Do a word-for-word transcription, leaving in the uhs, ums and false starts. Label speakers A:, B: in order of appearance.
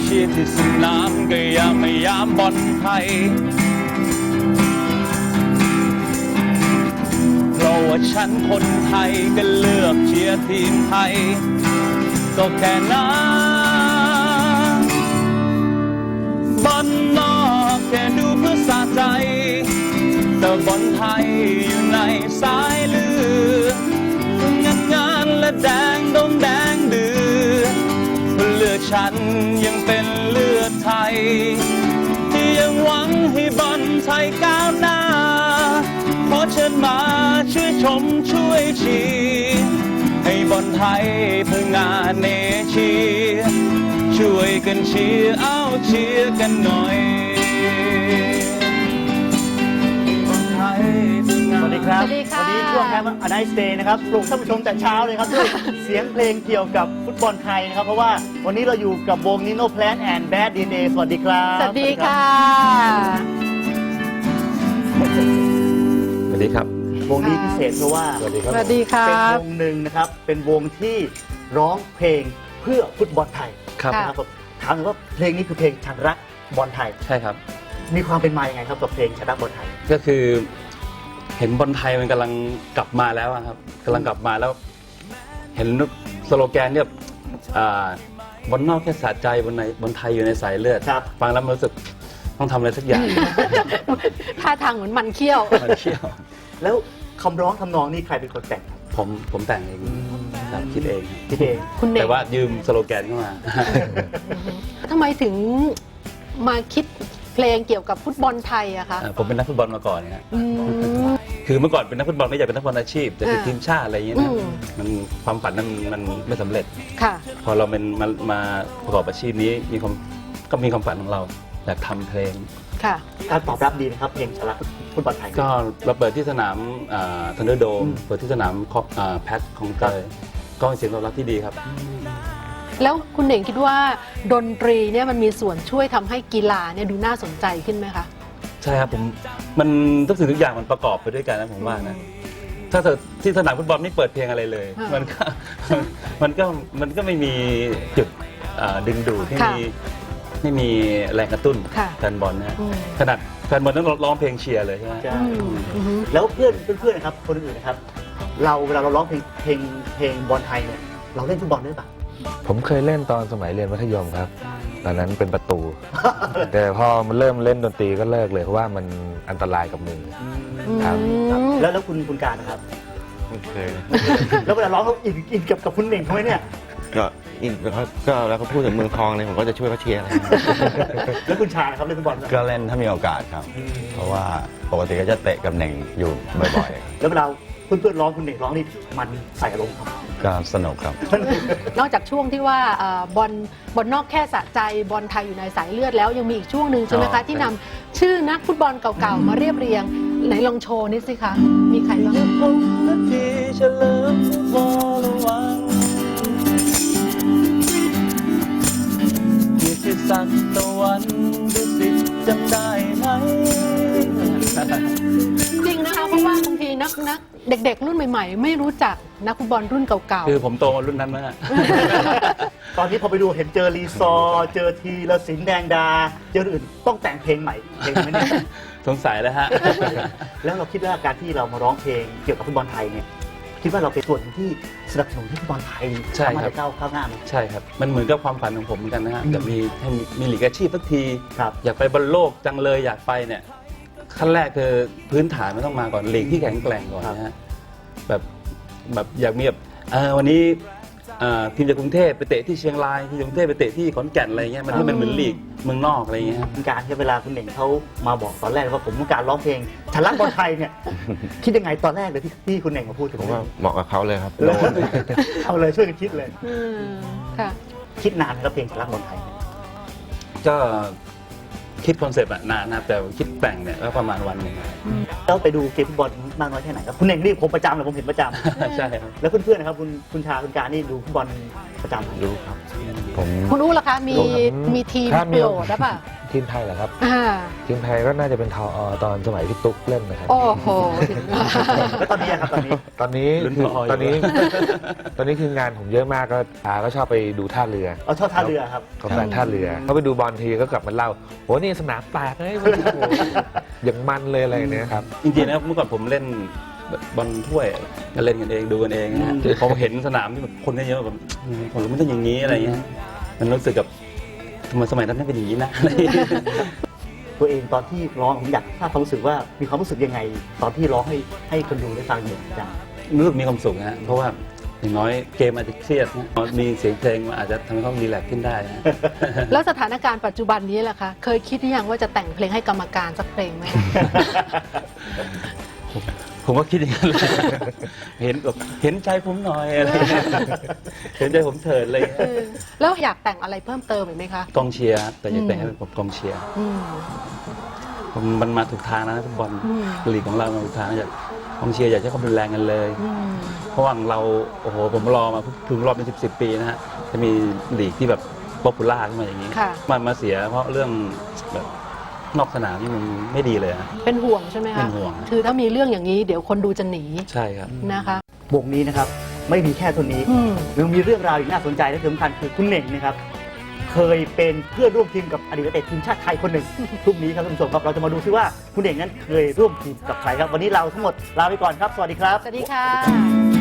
A: เชียร์ที่สนามก็ยามไม่ยามบอลไทยเพราะว่าฉันคนไทยก็เลือกเชียร์ทีมไทยก็แค่นั้นบอลนอกแค่ดูเพื่อสะใจแต่บอลไทยอยู่ในสายเลือดงานงานและแดงดงแดงเดือดเลือดฉันยังเป็นเลือดไทยที่ยังหวังให้บอลไทยก้าวหน้าขอเชิญมาช่วยชมช่วยเชียร์ให้บอลไทยพังงาเนเชียร์ช่วยกันเชียร์เอาเชียร์กันหน่อย
B: สวัสดีครับ
C: สวัสดีค่ะ
B: วันนี้ช่วงแคมป์อไนสเตย์นะครับปลุกท่านผู้ชมแต่เช้าเลยครับด้วยเสียงเพลงเกี่ยวกับฟุตบอลไทยนะครับเพราะว่าวันนี้เราอยู่กับวงนิโน่แพลนแอนด์แบดดีเนสวัสดีครับ
C: สวัสดีค่ะ
A: สวัสดีครับ
B: วงนี้พิเศษเพราะว่า
A: สวัสดีครับ
C: สวัสดีค่ะ
B: เป็นวงหนึ่งนะครับเป็นวงที่ร้องเพลงเพื่อฟุตบอลไทย
A: ครับ
C: ค่ะ
B: นะครับถามว่าเพลงนี้คือเพลงฉันรักบอลไทย
A: ใช่ครับ
B: มีความเป็นมาอย่างไงครับกับเพลงฉันรักบอลไทย
A: ก็คือเห็นบอลไทยมันกำลังกลับมาแล้วอะครับกำลังกลับมาแล้ว เห็นสโลแกนเนี่ยอ่าบอลนอกแค่สะใจบอลในบอลไทยอยู่ในสายเลือด
B: ครับ
A: ฟังแล้วมันรู้สึกต้องทำอะไรสักอย่าง
C: ท่าทางเหมือนมันเขี้ยว
A: มันเชี่ยว
B: แล้วคำร้องทำนองนี่ใครเป็นคนแต่งครับ
A: ผมผมแต่งเองครับคิดเอง
B: คิดเอง
C: คุณเน่ง
A: แต่ว่ายืมสโลแกนเข้ามา
C: ทำไมถึงมาคิดเพลงเกี่ยวกับฟุตบอลไทยอะคะ
A: ผมเป็นนักฟุตบอลมาก่อนนะ
C: อืม
A: คือเมื่อก่อนเป็นนักฟุตบอลก็อยากเป็นนักฟุตบอลอาชีพจะติด
C: อ่า
A: ทีมชาติอะไรอย่างเงี้ยนะ
C: อืม
A: มันความฝันนั้นมันไม่สำเร็จ
C: ค่ะ
A: พอเราเป็นมามาประกอบอาชีพนี้มีความก็มีความฝันของเราอยากทำเพลง
C: ค่ะ
B: การตอบรับดีนะครับเพลงฉันรักฟุตบอลไทย
A: ก็เราเปิดที่สนามทันเดอร์โดม
B: อืม
A: เปิดที่สนามแพทของเตยก็เป็นเสียงตอบรับที่ดีครับ
C: แล้วคุณเน่งคิดว่าดนตรีเนี่ยมันมีส่วนช่วยทำให้กีฬาเนี่ยดูน่าสนใจขึ้นไหมคะ
A: ใช่ครับผมมันทุกสิ่งทุกอย่างมันประกอบไปด้วยกันนะผมว่านะถ้าเกิดที่สนามฟุตบอลไม่เปิดเพลงอะไรเลย
C: อ่ามั
A: มันก็มันก็มันก็ไม่มีจุดอ่าดึงดูดไม่
C: ค่ะ
A: มีไม่มีแรงกระตุ้น
C: ค่ะ
A: แฟนบอลนะฮะ
C: อืม
A: ขนาดแฟนบอลต้องร้องเพลงเชียร์เลยใช่ไหม
B: ใช่
C: อืมอืม
B: แล้วเพื่อนเพื่อนๆนะครับคนอื่นๆนะครับ เราเวลาเราร้องเพลงเพลงเพลงบอลไทยเนี่ยเราเล่นฟุตบอลด้วยปะ
D: ผมเคยเล่นตอนสมัยเรียนมัธยมครับ ตอนนั้นเป็นประตู แต่พอมันเริ่มเล่นดนตรีก็เลิกเลยเพราะว่ามันอันตรายกับมือ ครับ
C: อืม
B: แล้วแล้วคุณคุณการนะครับ
E: ไม่เคย
B: แล้วเวลาร้องเขาอินอินกับกับคุณเน่งเขาไหมเนี่ย
E: ก็อินเขาก็แล้วเขาพูดถึงเมืองทองเลยผมก็จะช่วยเขาเชียร์อะไร
B: แล้วคุณชานะครับเล่นฟุตบอลไหม
E: ก็เล่นถ้ามีโอกาสครับ เพราะว่าปกติก็จะเตะกับเน่งอยู่บ่อย
B: แล้วเวลาเพื่อนๆร้องคุณเน่งร้องนี่มันใส่อารมณ์ครับ
E: ๆ ก็สนุกครับ
C: นอกจากช่วงที่ว่าเอ่อบอลบอลนอกแค่สะใจบอลไทยอยู่ในสายเลือดแล้วยังมีอีกช่วงหนึ่งใช่ไหม
E: อ๋
C: คะ
E: อ
C: ที่นำชื่อนักฟุตบอลเก่าๆมาเรียบเรียงไหนลองโชว์นิดสิคะมีใครบ้าง
A: ผมนาทีเฉลิมวรวังกิติศักดิ์ตะวันดุสิตจำได้ไหม
C: จริงนะคะเพราะว่าบางทีนักนักเด็กๆ รุ่นใหม่ๆ ไม่รู้จักนักฟุตบอลรุ่นเก่า
A: คือผมโตมารุ่นนั้นมาก
B: ตอนนี้พอไปดูเห็นเจอรีซอร์เจอทีละสินแดงดา เจออื่นต้องแต่งเพลงใหม่เพลงไหมเนี่ย
A: สงสัยแล้วฮะ
B: แล้วเราคิดว่าการที่เรามาร้องเพลงเกี่ยวกับฟุตบอลไทยเนี่ยคิดว่าเราเป็นส่วนหนึ่งที่สนับสนุนให้ฟุตบอลไทย
A: ใช่
B: สามารถ
A: ครับ
B: จะก้าวข้าวหน้าไหม
A: ใช่ครับ มันเหมือนกับความฝันของผมเหมือนกันนะฮะ
B: อืม
A: อยากมีให้มีมีหลีกอาชีพสักที
B: ครับ
A: อยากไปบอลโลกจังเลยอยากไปเนี่ย ขั้นแรกคือพื้นฐานมันต้องมาก่อนหลีกที่แข็งแกร่งก่อนนะฮะ แบบแบบอยากมีแบบเออวันนี้เอ่อทีมจากกรุงเทพไปเตะที่เชียงรายทีมจากกรุงเทพไปเตะที่ขอนแก่นอะไรเงี้ยมันให้มันเหมือนลีกเมืองนอกอะไรเงี้ยครับ
B: คุณการที่เวลาคุณเหน่งเขามาบอกตอนแรกว่าผมต้องการร้องเพลงฉันรักบอลไทยเนี่ย คิดยังไงตอนแรกเลยที่ที่คุณเหน่งมาพูดถึง
E: ผมว่าเหมาะกับเขาเลยครับ
B: เออเอาเลยช่วยกันคิดเลย
C: ๆอืมค่ะ
B: คิดนานนะครับเพลงฉันรักบอลไทยเนี่ย
A: ก็คิดคอนเซปต์อะนานนะครับแต่คิดแต่งเนี่ยก็ประมาณวันหนึ่งครับ
B: แล้วไปดูเกมฟุตบอลมากน้อยแค่ไหนครับคุณเหน่งนี่ผมประจำเลยผมเห็นประจ
A: ใช่ครับ
B: ำแล้วเพื่อนๆนะครับคุณคุณชาคุณการนี่ดูฟุตบอลประจำไหม
E: รู้ครับ
D: ผม
C: คุณอู้ล่ะคะ มี
D: ดูครับ
C: มีทีม
D: ถ้ามี
C: โปรดหรือเปล่า
D: ทีมไทยเหรอครับ
C: อ่า
D: ทีมไทยก็น่าจะเป็นทออตอนสมัยพี่ตุ๊กเล่นนะครับ
C: โอ้โหถึง
B: แล้วตอนนี้อะครับตอนนี้
D: ตอนนี้
A: ลุ้น
D: คือ
A: พออยู่
D: ตอนนี้ ตอนนี้คืองานผมเยอะมากก็อาก็ชอบไปดูท่าเรือ
B: เอาชอบท่าเรือครับ
D: กับแฟนท่าเรือเขาไปดูบอลทีก็กลับมาเล่าโหนี่สนามแตกเลยโอ้โหอย่างมันเลยอะไรอย่างเนี้ยครับ
A: จริงๆนะครับเมื่อก่อนผมเล่นบอลถ้วยก็เล่นกันเองดูกันเองนะฮะพอเห็นสนามที่แบบคนเยอะๆแบบผมรู้มันต้องอย่างนี้อะไรเงี้ยมันรู้สึกกับทำไมสมัยนั้นไม่เป็นอย่างนี้นะอะไรอย่างเงี้ย
B: ตัวเองตอนที่ร้องผมอยากทราบความรู้สึกว่ามีความรู้สึกยังไง ตอนที่ร้องให้ให้คนดูได้ฟังเนี่ยจ้ะ
A: รู้สึกมีความสุขนะฮะเพราะว่าอย่างน้อยเกมอาจจะเครียดนะมีเสียงเพลงมันอาจจะทำให้เขารีแลกซ์ขึ้นได้นะ
C: แล้วสถานการณ์ปัจจุบันนี้แหละคะเคยคิดหรือยังว่าจะแต่งเพลงให้กรรมการสักเพลงไหม
A: ผมก็คิดอย่างนั้นเลยเห็นแบบเห็นใจผมหน่อยอะไรเงี้ยเห็นใจผมเถิดอะไรเงี้ย
C: เออแล้วอยากแต่งอะไรเพิ่มเติมอีกไหมคะ
A: กองเชียร์ครับแต่อยากแต่งให้เป็นกองเชียร์
C: อืม
A: ผมมันมาถูกทางนะฟุตบอล
C: อืม
A: ลีกของเรามาถูกทางอยากกองเชียร์อยากใช้ความรุนแรงกันเลย
C: อืม
A: เพราะว่าเราโอ้โหผมรอมาถึงรอบเป็นสิบสิบปีนะฮะจะมีลีกที่แบบป๊อปปูล่าขึ้นมาอย่างนี้
C: ค่ะ
A: มันมาเสียเพราะเรื่องแบบนอกสนามนี่มันไม่ดีเลยนะ
C: เป็นห่วงใช่ไหมคะ
A: เป็นห่วง
C: คือถ้ามีเรื่องอย่างนี้เดี๋ยวคนดูจะหนี
A: ใช่ครับ
C: นะคะ
B: วงนี้นะครับไม่มีแค่ตัวนี้
C: อืม
B: ยังมีเรื่องราวอีกน่าสนใจและสำคัญคือคุณเหน่งนะครับเคยเป็นเพื่อนร่วมทีมกับอดีตนักเตะทีมชาติไทยคนหนึ่ง พรุ่งนี้ครับท่านผู้ชมครับเราจะมาดูซิว่าคุณเหน่งนั้นเคยร่วมทีมกับใครครับวันนี้เราทั้งหมดลาไปก่อนครับสวัสดีครับ
C: สวัสดีค่ะ